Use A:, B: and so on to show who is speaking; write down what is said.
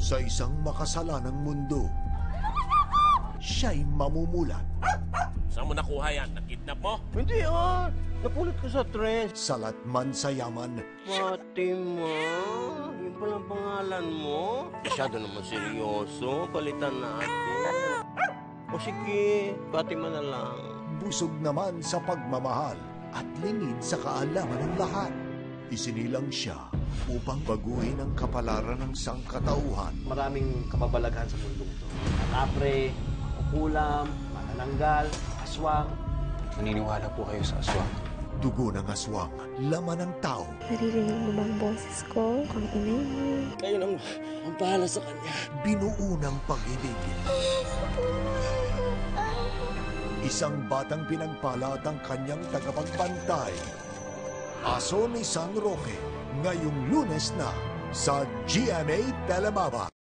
A: Sa isang makasalanang mundo, siya'y mamumulat.
B: Saan mo nakuha yan? Nakidnap mo?
C: Hindi napulot ko sa tres.
A: Salat man sa yaman,
C: Fatima, yun palang pangalan mo? Masyado naman seryoso, palitan natin. O sige, Fatima na lang.
A: busog naman sa pagmamahal at lingid sa kaalaman ng lahat. Isinilang siya upang baguhin ang kapalaran ng sangkatauhan.
D: Maraming kababalaghan sa mundong to. Kapre, kukulam, manananggal, aswang.
E: Naniniwala po kayo sa aswang?
A: Dugo ng aswang, laman ng tao.
F: Naririnig mo ba ang boses ko? Ang inay mo.
C: Kayo nang ang bahala sa kanya.
A: Binuo ng pag-ibig. Isang batang pinagpala at ang kanyang tagapagbantay. Aso ni San Roque, ngayong Lunes na sa GMA Telebaba.